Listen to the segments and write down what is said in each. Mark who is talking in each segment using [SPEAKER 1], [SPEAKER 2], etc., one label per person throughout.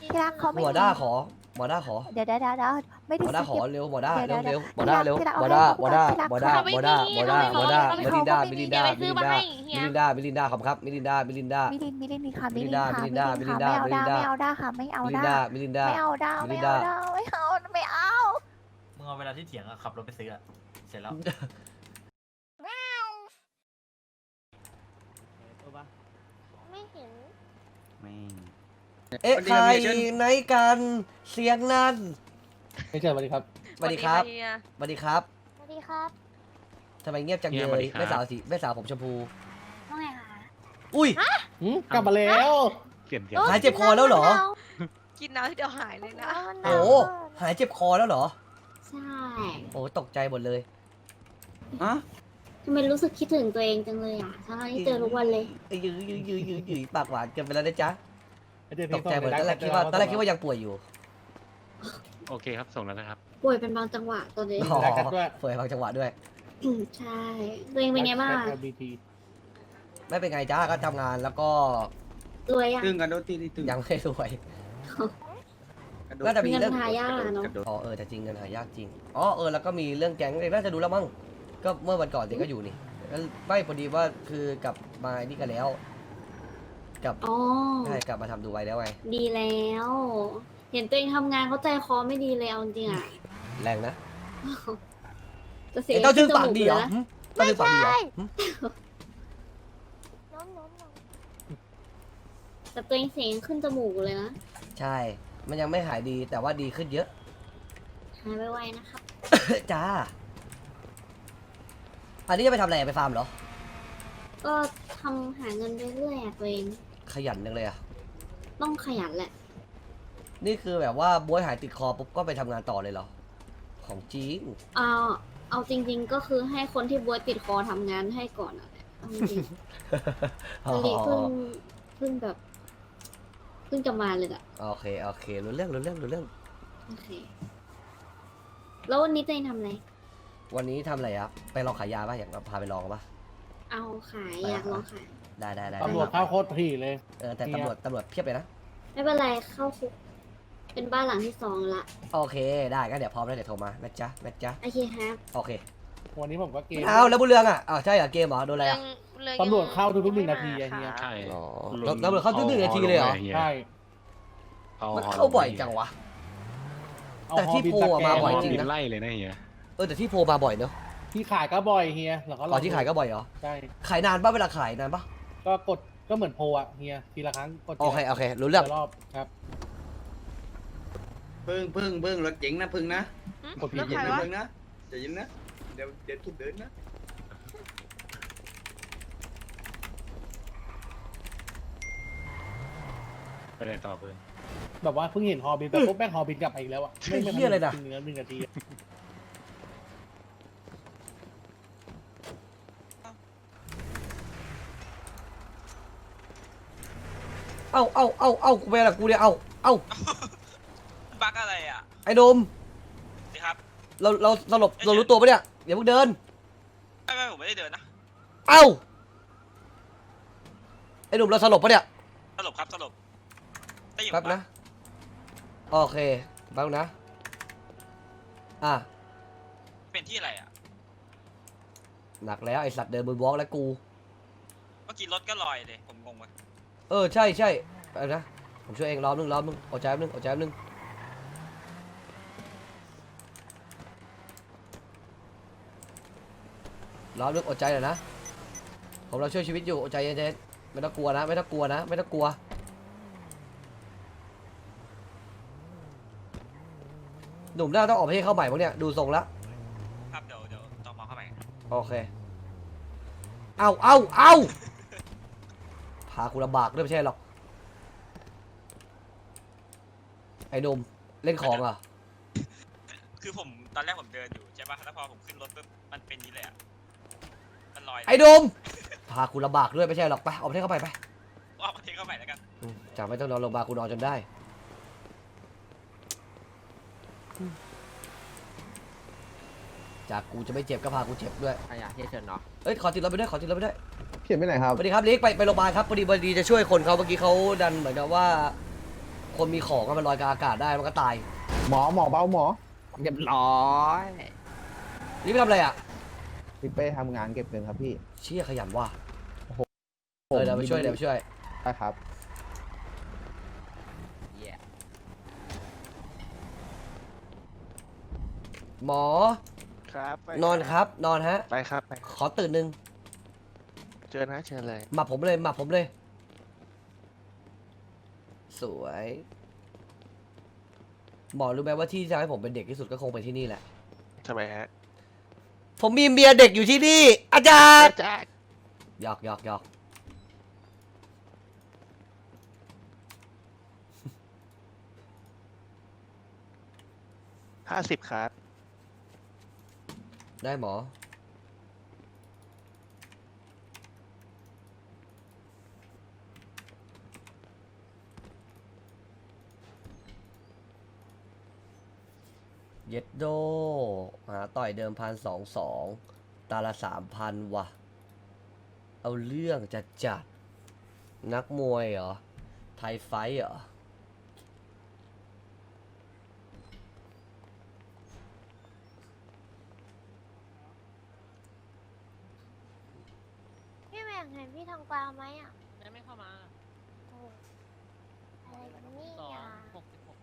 [SPEAKER 1] ที่รักเขาไม่
[SPEAKER 2] หมอด้าขอหมอด้าขอ
[SPEAKER 1] เดี๋ยวไม่
[SPEAKER 2] ห
[SPEAKER 1] ได้
[SPEAKER 2] มอด้าขอ
[SPEAKER 1] สกิป
[SPEAKER 2] เร็วหมอด้า
[SPEAKER 1] เดี๋
[SPEAKER 2] เร็
[SPEAKER 1] ยว ว
[SPEAKER 2] เร็วหมอด้าเร็ว
[SPEAKER 1] ที่รัก
[SPEAKER 2] หมอ
[SPEAKER 1] เอา
[SPEAKER 2] ด้า
[SPEAKER 1] ให้
[SPEAKER 2] หมอด้า
[SPEAKER 1] ที่รัก
[SPEAKER 2] หมอด้า
[SPEAKER 1] เขา
[SPEAKER 2] หมอด้าหมอด้าหมอด้า
[SPEAKER 1] เขาไม่
[SPEAKER 2] มิลินดา
[SPEAKER 1] มี
[SPEAKER 2] มิลินดา
[SPEAKER 1] เดี๋ยวไปซื้อมาให้เฮี
[SPEAKER 2] มิ
[SPEAKER 1] ย
[SPEAKER 2] ลินดามิลินดาขอบครับมิลินดามิลินดา
[SPEAKER 1] มิลินมีค่ะมิลิน
[SPEAKER 2] มิ
[SPEAKER 1] ค่ะ
[SPEAKER 2] ลินดา
[SPEAKER 1] มิ
[SPEAKER 2] มิ
[SPEAKER 1] ลิ
[SPEAKER 2] ลิ
[SPEAKER 1] น
[SPEAKER 2] นดา
[SPEAKER 1] ค่ะ
[SPEAKER 2] มิลินดา
[SPEAKER 1] ไม่เอาด้าค่ะไม่เอา
[SPEAKER 2] มิลิน
[SPEAKER 1] ด้า
[SPEAKER 2] ดามิลินดา
[SPEAKER 1] ไม่เอาด้า
[SPEAKER 2] มิลิ
[SPEAKER 1] ไม่
[SPEAKER 2] น
[SPEAKER 1] เอา
[SPEAKER 2] ดา
[SPEAKER 1] ด้าไม่เอา
[SPEAKER 3] มึงเอาเวลาที่เถียงอะขับรถไปซื้ออะเสร็จแล้ว
[SPEAKER 1] ไม่เห็น
[SPEAKER 2] เอ๊ะใครไหนกันเสียงนั้น
[SPEAKER 4] ไม่เชิญสวัสดีครับ
[SPEAKER 2] สวัสดีครับสวัสดีครับ
[SPEAKER 1] สวัสดีครับ
[SPEAKER 2] ทำไมเงียบจังเลยแม่สาวสีแม่สาวผมชมพู
[SPEAKER 1] ว่าไงคะ
[SPEAKER 2] อุ้ย
[SPEAKER 4] กลับมาแล้ว
[SPEAKER 5] เปลี่ยนเสียง
[SPEAKER 2] หายเจ็บคอแล้วเหรอ
[SPEAKER 6] กินน้ำที่เดียวหายเลยนะ
[SPEAKER 2] โอ้หายเจ็บคอแล้วเหรอ
[SPEAKER 7] ใช่
[SPEAKER 2] โอ้ตกใจหมดเลย
[SPEAKER 7] ทำไมรู้สึกคิดถึงตัวเองจังเลยอ่ะทั้งที่เจอทุกวันเลย
[SPEAKER 2] ยืปากหวานเกินไปแล้วนะจ๊ะ
[SPEAKER 4] เดี๋ยว
[SPEAKER 2] ตกใจหมดตอนแรกคิดว่ายังป่วยอยู่
[SPEAKER 5] โอเคครับ ส่งแล้วนะครับ
[SPEAKER 7] ป่วยเป็นบางจังหวะตอนนี้
[SPEAKER 2] อ๋อ
[SPEAKER 4] ด้วย
[SPEAKER 2] ป่วยบางจังหวะด้วย
[SPEAKER 7] ใช่ ตัวเองเป็นไงบ้างอะ
[SPEAKER 4] LGBT
[SPEAKER 2] ไม่เป็นไงจ้าก็ทำงานแล้วก็
[SPEAKER 7] รวยอ่ะ
[SPEAKER 8] ตึงกันโดนตีนี่ตึง
[SPEAKER 2] ยังไม่รวย
[SPEAKER 8] กระโด
[SPEAKER 2] น่า
[SPEAKER 8] ด
[SPEAKER 2] จะมี
[SPEAKER 7] เงิน
[SPEAKER 2] เรื่อง
[SPEAKER 7] หายากอะเนาะ
[SPEAKER 8] กระโดด
[SPEAKER 2] อ๋อแต่จริงเงินหายากจริงอ๋อแล้วก็มีเรื่องแก๊งน่าจะดูแล้วมั้งก็เมื่อวันก่อนเด็กก็อยู่นี่แล้วไม่พอดีว่าคือกลับมานี่กันแล้วกลับ
[SPEAKER 7] อ๋อ
[SPEAKER 2] ใช่กลับมาทำดูไว้แล้วไง
[SPEAKER 7] ดีแล้ว เห็นตัวเองทำงานเขาใจคอไม่ดีเลยเอาจริงๆอ่ะ
[SPEAKER 2] แรงนะ
[SPEAKER 7] จะเสีย
[SPEAKER 2] เต้าชื่อปาก
[SPEAKER 7] จมู
[SPEAKER 2] ดีเหรอ
[SPEAKER 7] เลยนะ
[SPEAKER 2] เต้าชื่อปากดีเหรอ
[SPEAKER 1] น้อง
[SPEAKER 7] แต่ตัวเองเสียงขึ้นจมูกเลยนะ
[SPEAKER 2] ใช่ มันยังไม่หายดีแต่ว่าดีขึ้นเยอะ
[SPEAKER 7] หายไวๆนะครับ
[SPEAKER 2] จ้า อันนี้จะไปทำอะไรไปฟาร์มเหรอ
[SPEAKER 7] ก็ทำหาเงินเรื่อยๆอะตัวเอง
[SPEAKER 2] ขยันจังเลยอ่ะ
[SPEAKER 7] ต้องขยันแหละ
[SPEAKER 2] นี่คือแบบว่าบ๊วยหายติดคอปุ๊บก็ไปทำงานต่อเลยเหรอ ของจริง
[SPEAKER 7] เอาจริง ๆ ก็คือให้คนที่บวยติดคอทำงานให้ก่อนอะเอาจริงๆ
[SPEAKER 2] อ๋อ
[SPEAKER 7] ตอนนี้เพิ่งแบบเพิ่งจะมาเลยอะ
[SPEAKER 2] โอเครู้เรื่อง
[SPEAKER 7] โอเค แล้ววันนี้ตัวเองทำอะไร
[SPEAKER 2] วันนี้ทำอะไรครับไปลองขายยาป่ะอยากพาไปลองป่ะ
[SPEAKER 7] เอาขายอยากลองขาย
[SPEAKER 2] ได้
[SPEAKER 4] ตำรวจเข้าโคตรถี่เลย
[SPEAKER 2] แต่ตำรวจเพียบเลยนะ
[SPEAKER 7] ไม่เป็นไรเข้าคุกเป็นบ้านหลังที่2ละ
[SPEAKER 2] โอเค ได้ก็เดี๋ยวพร้อมแล้วเดี๋ยวโทรมานะจ๊ะ
[SPEAKER 7] โอเคครับ
[SPEAKER 2] โอเค
[SPEAKER 4] วันนี้ผมก็เกม
[SPEAKER 2] เอาแล้วบุญเรืองอ่ะใช่เหรอเกมเหรอโดนอะไรอ่ะ
[SPEAKER 4] ตำรวจเข้าทุกๆ1 นาทีอะเฮีย
[SPEAKER 5] ใช่
[SPEAKER 2] อ๋อตำรวจเข้าทุก1 นาทีเลยเหรอ
[SPEAKER 4] ใช่
[SPEAKER 2] มันเข้าบ่อยจังวะ แต่ที่โพลอะมาบ่อยจริง
[SPEAKER 5] บินไล่เลยนะเฮีย
[SPEAKER 2] แต่ที่โพลมาบ่อยเนอะ
[SPEAKER 4] ที่ขายก็บ่อยเฮียแล้วก็
[SPEAKER 2] ก่อนที่ขายก็บ่อยเหรอ
[SPEAKER 4] ใช่
[SPEAKER 2] ขายนานป่ะเวลาขายนานป่ะ
[SPEAKER 4] ก็กดก็เหมือนโพลอะเฮียทีละครั้งกด
[SPEAKER 2] โอเครู้เรื่อง
[SPEAKER 4] ทีละรอบครับ
[SPEAKER 8] พึ่งรถเจ๋งนะพึ่งนะ
[SPEAKER 4] กดผิ
[SPEAKER 8] ใจ
[SPEAKER 4] ด
[SPEAKER 8] เย็น
[SPEAKER 6] ใคร
[SPEAKER 8] นะ
[SPEAKER 6] วะ
[SPEAKER 8] พึ่งนะใจเย็นนะเดี๋ยวทุบเดินนะ
[SPEAKER 5] ไปเลยต่อเพื่อน
[SPEAKER 4] แบบว่าเพิ่งเห็นฮอบินแต่ปุ๊บแม่งฮอบินกลับมาอีกแล้วอะไม่
[SPEAKER 2] เหี้ยอะไรนะ
[SPEAKER 4] ถึง1 นาทีอะ
[SPEAKER 2] เอากูไปละกูเนี่ยเอา
[SPEAKER 9] บักอะไรอ่ะ
[SPEAKER 2] ไอ้โดม
[SPEAKER 9] สิครับ
[SPEAKER 2] เราสลบเรารู้ตัวปะเนี่ยอย่าเพิ่งเดิน
[SPEAKER 9] ไม่ผมไม่ได้เดินนะ
[SPEAKER 2] เอ้าไอ้หนุ่มเราสลบปะเนี่ย
[SPEAKER 9] สลบครับสลบได้อยู่
[SPEAKER 2] แป๊บนะโอเคแป๊บนะอ่ะ
[SPEAKER 9] เป็นที่อะไรอ่ะ
[SPEAKER 2] หนักแล้วไอสัตว์เดินบนวอล์กแล้วกู
[SPEAKER 9] เมื่อกี้รถก็ลอยเลยผมงงว่ะ
[SPEAKER 2] ใช่อะไรนะผมช่วยเองรอบนึงอดใจแป๊บนึงรอบนึงอดใจหน่อยนะผมเราช่วยชีวิตอยู่อดใจเย็นๆไม่ต้องกลัวนะหนุ่มหน้าต้องออกประเทศเข้าใหม่พวกเนี้ยดูทรงละ
[SPEAKER 9] ครับเดี๋ยวต้องมองเข้าไป
[SPEAKER 2] โอเคเอาพาคุณลำบากด้วยไม่ใช่หรอกไอ้หนุ่มเล่นของอ่ะ
[SPEAKER 9] คือผมตอนแรกผมเดินอยู่ใช่ป่ะแล้วพอผมขึ้นรถปุ๊บมันเป็นนี้เลยอ่ะมันลอย
[SPEAKER 2] ไอ้หนุ่มพาคุณลำบากด้วยไม่ใช่หรอกไปออกประเทศเข้าไปไป
[SPEAKER 9] ออกประเทศเข้าไปแล้วกัน
[SPEAKER 2] จากไม่ต้องนอนโรงพยาบาลกูนอนจนได้จากกูจะไม่เจ็บก็พากูเจ็บด้วย
[SPEAKER 8] ใครอยากเชิญเนาะ
[SPEAKER 2] ขอติดรถไปด้วย
[SPEAKER 8] เขียนไปไหนครับ
[SPEAKER 2] สวัสดีครับลิกไปโรงพยาบาลครับพอดีจะช่วยคนเขาเมื่อกี้เขาดันเหมือนกับว่าคนมีของอะมันลอยกลางอากาศได้มันก็ตาย
[SPEAKER 4] หมอเบาหมอ
[SPEAKER 8] เรียบร้อย
[SPEAKER 2] นี่ไปทำอะไรอ่ะ
[SPEAKER 4] พี่เป้ทำงานเก็บเงินครับพี่
[SPEAKER 2] เชี่ยขยันว่ะเดี๋ยวไปช่วย
[SPEAKER 4] ได้ครับ
[SPEAKER 2] หมอ
[SPEAKER 10] ครับ
[SPEAKER 2] นอนครับ นอนฮะ
[SPEAKER 10] ไปครับไป
[SPEAKER 2] ขอตื่นหนึ่ง
[SPEAKER 10] เชิญนะเชิญเลย
[SPEAKER 2] หมับผมเลย สวย หมอรู้ไหมว่าที่ที่ทำให้ผมเป็นเด็กที่สุดก็คงเป็นที่นี่แหละ
[SPEAKER 10] ทำไมฮะ
[SPEAKER 2] ผมมีเมียเด็กอยู่ที่นี่ อาจารย์
[SPEAKER 10] จ้า
[SPEAKER 2] หยอก
[SPEAKER 10] 50ครับ
[SPEAKER 2] ได้หมอ เย็ดโด หาต่อยเดิม1,220ตาละ3,000ว่ะ เอาเรื่องจัดนักมวยเหรอ ไทยไฟท์เหรอ
[SPEAKER 1] พี่แม่งเห็นพี่ทองกวาวไหมอ่ะ
[SPEAKER 6] ยังไม่เข้ามา
[SPEAKER 1] โอ้อะไรกันนี่
[SPEAKER 6] สอง
[SPEAKER 1] อ่ะ
[SPEAKER 6] 66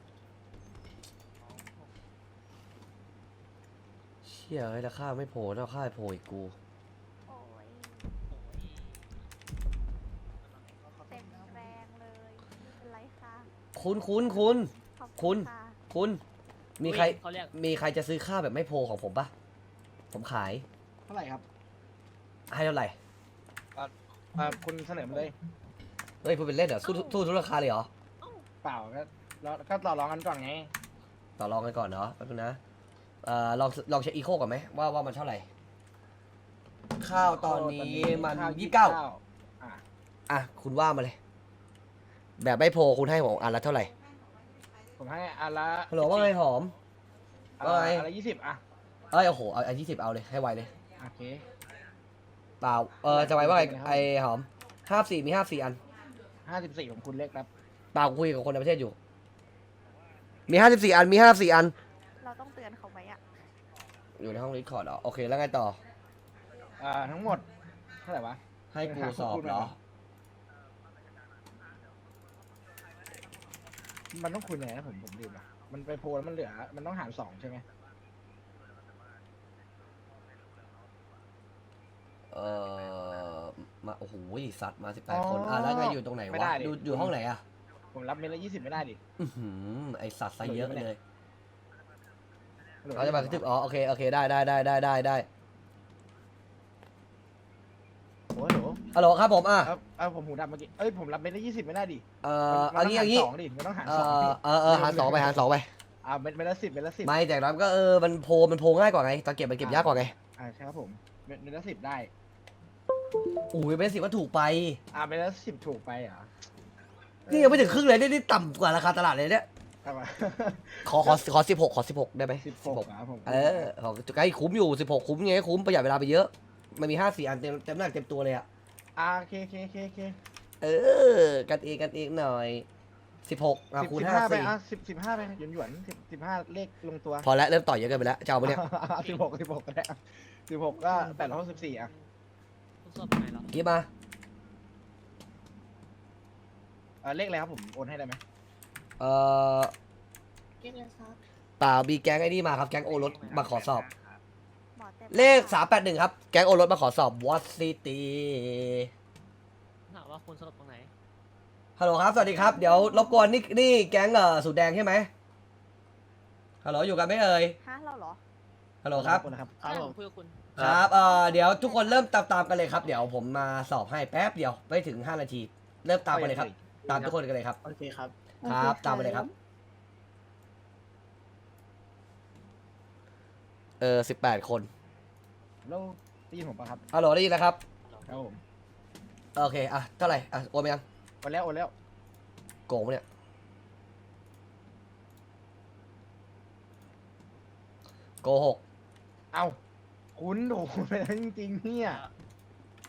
[SPEAKER 2] เชี่ยเฮ้ยราคาไม่โผล่แล้วค่าโผล่อีกกู
[SPEAKER 1] โอ้ยเต็มแรงเลยไม่เป็นไรค่ะ
[SPEAKER 2] คุณ
[SPEAKER 1] ขอบ
[SPEAKER 2] คุณ
[SPEAKER 1] ค่ะ
[SPEAKER 2] คุณ มีใคร
[SPEAKER 6] เขาเรียก
[SPEAKER 2] มีใครจะซื้อข้าวแบบไม่โพลของผมปะผมขาย
[SPEAKER 4] เท่าไหร่ครับ
[SPEAKER 2] ให้เท่าไหร่
[SPEAKER 4] คุณเสนอมาเลย
[SPEAKER 2] เฮ้ยพูดเป็นเล่นเหรอสู้ทุกราคาเลยเหรอ
[SPEAKER 4] เปล่าก็ต่อรองกันก่อนไง
[SPEAKER 2] ต่อรองกันก่อนเนาะแป๊บนึงนะลองเช็คอีโคก่อนไหมว่ามันเท่าไหร่ ข้าวตอนนี้มัน29อ่ะคุณว่ามาเลย แบบไม่โพลคุณให้ผมอันละเท่าไหร่
[SPEAKER 4] ผมให้อันละ
[SPEAKER 2] ฮัลโหลว่าไงหอม ว่าไง
[SPEAKER 4] อันละ20อ่ะ
[SPEAKER 2] เอ้ยโอ้โหเอา20เอาเลยให้ไวเลย
[SPEAKER 4] โอเค
[SPEAKER 2] เปล่าจะไวว่าไงไอหอม54มี54อัน
[SPEAKER 4] 54ของคุณเล็กครับ
[SPEAKER 2] เปล่าคุยกับคนในประเทศอยู่ มี54อันมี54อัน
[SPEAKER 1] เราต้องเตือนเขาไหมอ่ะ
[SPEAKER 2] อยู่ในห้องรีคอร์ดเหรอโอเคแล้วไงต่อ
[SPEAKER 4] ทั้งหมดเท่าไหร่วะ
[SPEAKER 2] ให้กูสอบเหรอ
[SPEAKER 4] มันต้องคุยยังไงนะผมลืมอ่ะมันไปโพลแล้วมันเหลือ มันต้องหาร2ใช่ไหม
[SPEAKER 2] มาโอ้โหสัตว์มา18คนแล้วไงอยู่ตรงไหน
[SPEAKER 4] ไม่
[SPEAKER 2] วะ
[SPEAKER 4] ได้ดิ
[SPEAKER 2] อยู่ห้องไหนอะ
[SPEAKER 4] ผมรับเม็ดละ20ไม่ได้ดิ
[SPEAKER 2] อื้อหือไอสัตว์ซะเยอะเลย
[SPEAKER 4] หลือ
[SPEAKER 2] เขาจะมากระทึบอ๋อโอเคได้
[SPEAKER 4] โอ้โห
[SPEAKER 2] ฮัลโหลครับผม
[SPEAKER 4] ผมหูดับเมื่อกี้ผมรับเม็ดละ20ไม่ได้ดิ
[SPEAKER 2] เอางี้
[SPEAKER 4] สองดิมันต้องหาร
[SPEAKER 2] เอ
[SPEAKER 4] สองดิ
[SPEAKER 2] หารสองไป
[SPEAKER 4] เม็ดละ10เม็ดละ10
[SPEAKER 2] ไม่แต่นั้นก็มันโพลง่ายกว่าไงตอนเก็บมันเก็บยากกว่าไง
[SPEAKER 4] ใช่ครับผมเม็ดละ10ได้
[SPEAKER 2] อุ้ยเป็น10ว่าถูกไป
[SPEAKER 4] เม็ดละ10ถูกไปเหรอ
[SPEAKER 2] นี่ยังไม่ถึงครึ่งเลยนี่ต่ำกว่าราคาตลาดเลยเนี่ย
[SPEAKER 4] ครับ
[SPEAKER 2] ขอ16ได้ไหม
[SPEAKER 4] 16ครับผม
[SPEAKER 2] ของใกล้คุ้มอยู่16คุ้มไงคุ้มประหยัดเวลาไปเยอะมันมี54อันเต็มหน้าเต็มตัวเลยอะ
[SPEAKER 4] โอเค
[SPEAKER 2] กันเองหน่อย16คูณ
[SPEAKER 4] 15ไป
[SPEAKER 2] 54
[SPEAKER 4] 15ไปหยวน15เลขลงตัว
[SPEAKER 2] พอแล้วเริ่มต่อยเยอะเกินไปแล้วจะเอาปะเนี่ย
[SPEAKER 4] 16ก็ได้16ก็864อ่ะ
[SPEAKER 6] คุณสอบไหนเหรอ
[SPEAKER 2] กี่มา
[SPEAKER 4] เลขอะไรครับผมโอนให้ได้ไหม
[SPEAKER 7] เรียกเลยครับ
[SPEAKER 2] เปล่ามีแก๊งไอ้นี่มาครับแก๊งโอรสมาขอสอบ
[SPEAKER 1] หมอเต็ม
[SPEAKER 2] เลข381ครับแก๊งโอรสมาขอสอบวอตซิตี้
[SPEAKER 6] ถามว่าคุณสอบตรงไหน
[SPEAKER 2] ฮัลโหลครับสวัสดีครับเดี๋ยวรบกวนนี่แก๊งสูตรแดงใช่ไหมฮัลโหลอยู่กันไหมเอ่ย
[SPEAKER 1] ฮะเราเหรอ
[SPEAKER 2] ฮัลโหลครับ
[SPEAKER 4] นะครับ
[SPEAKER 6] ครับผมคุยกับคุณ
[SPEAKER 2] ครับเดี๋ยวทุกคนเริ่มตามกันเลยครับเดี๋ยวผมมาสอบให้แป๊บเดียวไม่ถึง5นาทีเริ่มตามกันเลยครับตามทุกคนกันเลยครับ
[SPEAKER 4] โอเคครับ
[SPEAKER 2] ครับตามไปเลยครับ18คน
[SPEAKER 4] แล้วได้ยินผมปะครับ
[SPEAKER 2] ฮัลโหลได้ยินแล้วครับ
[SPEAKER 4] ครับผม
[SPEAKER 2] โอเคเท่าไหร่โอนไปยัง
[SPEAKER 4] โอนแล้ว
[SPEAKER 2] โกงปะเนี่ยโกหก
[SPEAKER 4] เอ้าคุณโดนไปแล้วจริงๆเนี่ย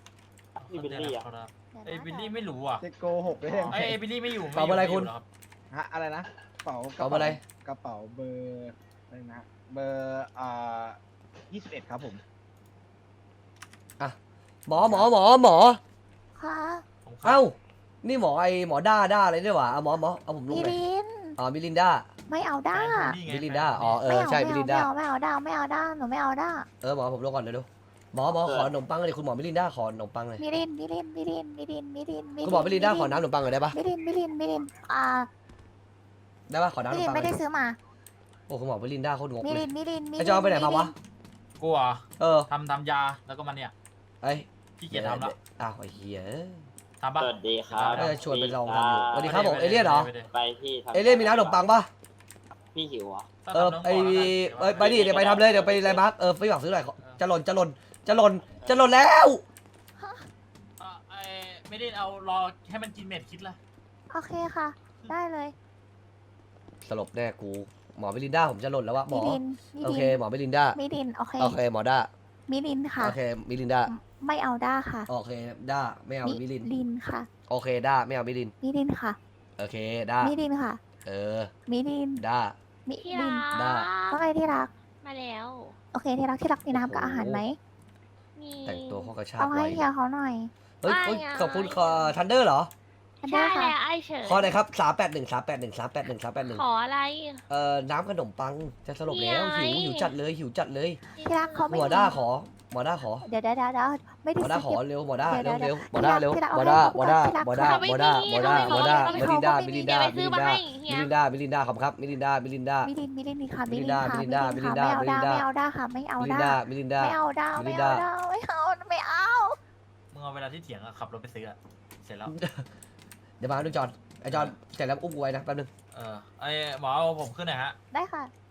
[SPEAKER 3] บิลลี่อ่ะไอ้บิลลี่ไม่รู้อ่ะ
[SPEAKER 4] จะโกหกได้ยังไง
[SPEAKER 3] ไอ้บิลลี่ไม่อยู่
[SPEAKER 2] ตอบอะไรคุณ
[SPEAKER 3] ม่ยู่หรก
[SPEAKER 4] ฮะอะไรนะกระเป๋าก
[SPEAKER 2] ระเป๋าอะไร
[SPEAKER 4] กระเป๋าเบอร์อะไรนะเบอร์21ครับผม
[SPEAKER 2] หมอ
[SPEAKER 1] ค่ะ
[SPEAKER 3] ผมครับ
[SPEAKER 2] เอ้านี่หมอหมอด้าอะไรเนี่ยหวะเอาหมอเอาผมลง
[SPEAKER 1] มิ
[SPEAKER 2] หน่อย
[SPEAKER 1] ลิน
[SPEAKER 2] อ๋อมิลินดา
[SPEAKER 1] ไม่เอาด้า
[SPEAKER 3] แฟนคุณนี่ไง
[SPEAKER 2] มิลินดา
[SPEAKER 3] แฟคุณ
[SPEAKER 2] อ๋อเออใช่มิลินดา
[SPEAKER 1] ไม่เอาด้าไม่เอาด้าหนูไม่เอาด้า
[SPEAKER 2] หมอผมลงก่อนเดี๋ยวดูหมอขอขนมปังเลยคุณหมอมิลินดาขอขนมปังเลย
[SPEAKER 1] มิลิน
[SPEAKER 2] คุณหมอมิลินดาขอน้ำขนมปังหน่อยได้ปะ
[SPEAKER 1] มิลิน
[SPEAKER 2] ได้ปะขอน้ำข
[SPEAKER 1] มิ
[SPEAKER 2] น
[SPEAKER 1] ลิ
[SPEAKER 2] ม
[SPEAKER 1] น
[SPEAKER 2] ปัง
[SPEAKER 1] ไม่ได้ซื้อมา
[SPEAKER 2] โอ้คุณหมอมิลินดาโคตรงก
[SPEAKER 1] มิ
[SPEAKER 2] เล
[SPEAKER 1] ลิ
[SPEAKER 2] ย
[SPEAKER 1] น
[SPEAKER 2] ไอจอนไปไหนมาวะ
[SPEAKER 3] กูเหรอ
[SPEAKER 2] เออ
[SPEAKER 3] ทำยาแล้วก็มันเนี่ย
[SPEAKER 2] ไอ้
[SPEAKER 3] ขี้เกียจทำละ
[SPEAKER 2] อ้าวไอ้เหี้ย
[SPEAKER 3] ทำปะ
[SPEAKER 11] สวัสดีครับ
[SPEAKER 2] เออชวนไปลองทำอยู่สวัสดีครับผมเอเลี่ยนเหรอ
[SPEAKER 11] ไปพี่ทำ
[SPEAKER 2] เอเลี่ยนมีน้ำขนมปังปะ
[SPEAKER 11] พี่หิวเหรอ
[SPEAKER 2] ไปดิเดี๋ยวไปทำเลยเดี๋ยวไปอะไรมาร์คไปหวังซื้อหน่อยจะหล่นแล้ว
[SPEAKER 3] ไม่ได้เอารอให้มันกินเม็ดคิดละ
[SPEAKER 1] โอเคค่ะ ได้เลย
[SPEAKER 2] สลบแน่กูหมอมิลินดาผมจะหล่นแล้ววะหม
[SPEAKER 1] มิ
[SPEAKER 2] อ
[SPEAKER 1] ลิน
[SPEAKER 2] โอเคหมอมิลินดา
[SPEAKER 1] มิลินโอเค
[SPEAKER 2] โอเคหมอด้า
[SPEAKER 1] มิลินค่ะ
[SPEAKER 2] โอเคมิลินดา
[SPEAKER 1] ไม่เอาด้าค่ะ
[SPEAKER 2] โอเคด้าไม่เอามิลิน
[SPEAKER 1] ลินค่ะ
[SPEAKER 2] โอเคด้าไม่เอามิลิน
[SPEAKER 1] มิลินค่ะ
[SPEAKER 2] โอเคด้า
[SPEAKER 1] มิลินค่ะ
[SPEAKER 2] เออ
[SPEAKER 1] มิลิน
[SPEAKER 2] ด้า
[SPEAKER 1] มิ
[SPEAKER 6] ที่
[SPEAKER 1] ลิ
[SPEAKER 6] รั
[SPEAKER 1] น
[SPEAKER 2] ได้
[SPEAKER 6] ก
[SPEAKER 1] ว่าไงที่รัก
[SPEAKER 6] มาแล้ว
[SPEAKER 1] โอเคที่รักมีน้ำกับอาหารไหม
[SPEAKER 6] มี
[SPEAKER 2] แต่งตัวข้อกระชาก
[SPEAKER 1] เอาให้
[SPEAKER 2] ไว้
[SPEAKER 1] เฮียเขาหน่อย
[SPEAKER 2] เฮ้ย
[SPEAKER 6] ไม่อะ
[SPEAKER 2] ขอบคุณทันเดอร์เหรอ
[SPEAKER 1] อันเดอ
[SPEAKER 6] ใช่
[SPEAKER 1] ร์ค่ะ
[SPEAKER 6] แล้วไอ้เฉิน
[SPEAKER 2] ขอหน่อยครับ381
[SPEAKER 6] ขออะไร
[SPEAKER 2] น้ำขนมปังจะสลบแล้ว
[SPEAKER 6] นี่ไง
[SPEAKER 2] หิวจัดเลย
[SPEAKER 1] ที่รักเขาไม่
[SPEAKER 2] หมอด้าขอหมอด้าขอ
[SPEAKER 1] เดี๋ยวไม่
[SPEAKER 2] ห
[SPEAKER 1] ได้
[SPEAKER 2] มอด้าขอ
[SPEAKER 1] สกิป
[SPEAKER 2] เร็วหมอด้า
[SPEAKER 1] เดี๋ยว
[SPEAKER 2] เร็ว
[SPEAKER 1] เดี๋ยว
[SPEAKER 2] หมอด้าเร็ว
[SPEAKER 1] ที่รัก
[SPEAKER 2] หมอด้า
[SPEAKER 1] เอาให้
[SPEAKER 2] หมอด้า
[SPEAKER 1] ที่รัก
[SPEAKER 2] หมอด้าหมอด้าหมอด้าหมอด้า
[SPEAKER 6] ไม่
[SPEAKER 2] มิ
[SPEAKER 6] มี
[SPEAKER 2] ลินดา
[SPEAKER 6] ไม่
[SPEAKER 2] มิ
[SPEAKER 6] มี
[SPEAKER 2] ลิน
[SPEAKER 6] เดี๋
[SPEAKER 2] ดา
[SPEAKER 6] ยวไปซื้อมาให้เฮีย
[SPEAKER 2] มิลินดามิลินดา
[SPEAKER 1] มิลินค่ะ
[SPEAKER 2] มิ
[SPEAKER 1] มิ
[SPEAKER 2] ลิ
[SPEAKER 1] ลิ
[SPEAKER 2] น
[SPEAKER 1] น
[SPEAKER 2] ดา
[SPEAKER 1] ค่ะ
[SPEAKER 2] มิลินดา
[SPEAKER 1] มิลินค่ะ
[SPEAKER 2] มิลินดา
[SPEAKER 1] ไม่เอาด้าค่ะไม่เอา
[SPEAKER 2] มิลิน
[SPEAKER 1] ด้า
[SPEAKER 2] ดามิลินดา
[SPEAKER 1] ไม่เอาด้า
[SPEAKER 2] มิลิ
[SPEAKER 1] ไม่
[SPEAKER 2] นดา
[SPEAKER 1] เอาด้าไม่เอา
[SPEAKER 3] มึงเอาเวลาที่เถียงอะขับรถไปซื้ออะเสร็จแล้ว
[SPEAKER 2] เดี๋ยวมาดูจอนไอจอนเสร็จแล้วอุ้มกูไว้นะแป๊บนึง
[SPEAKER 3] ไอหมอเอาผมขึ้นหน่อยฮะ
[SPEAKER 1] ได้ค่ะ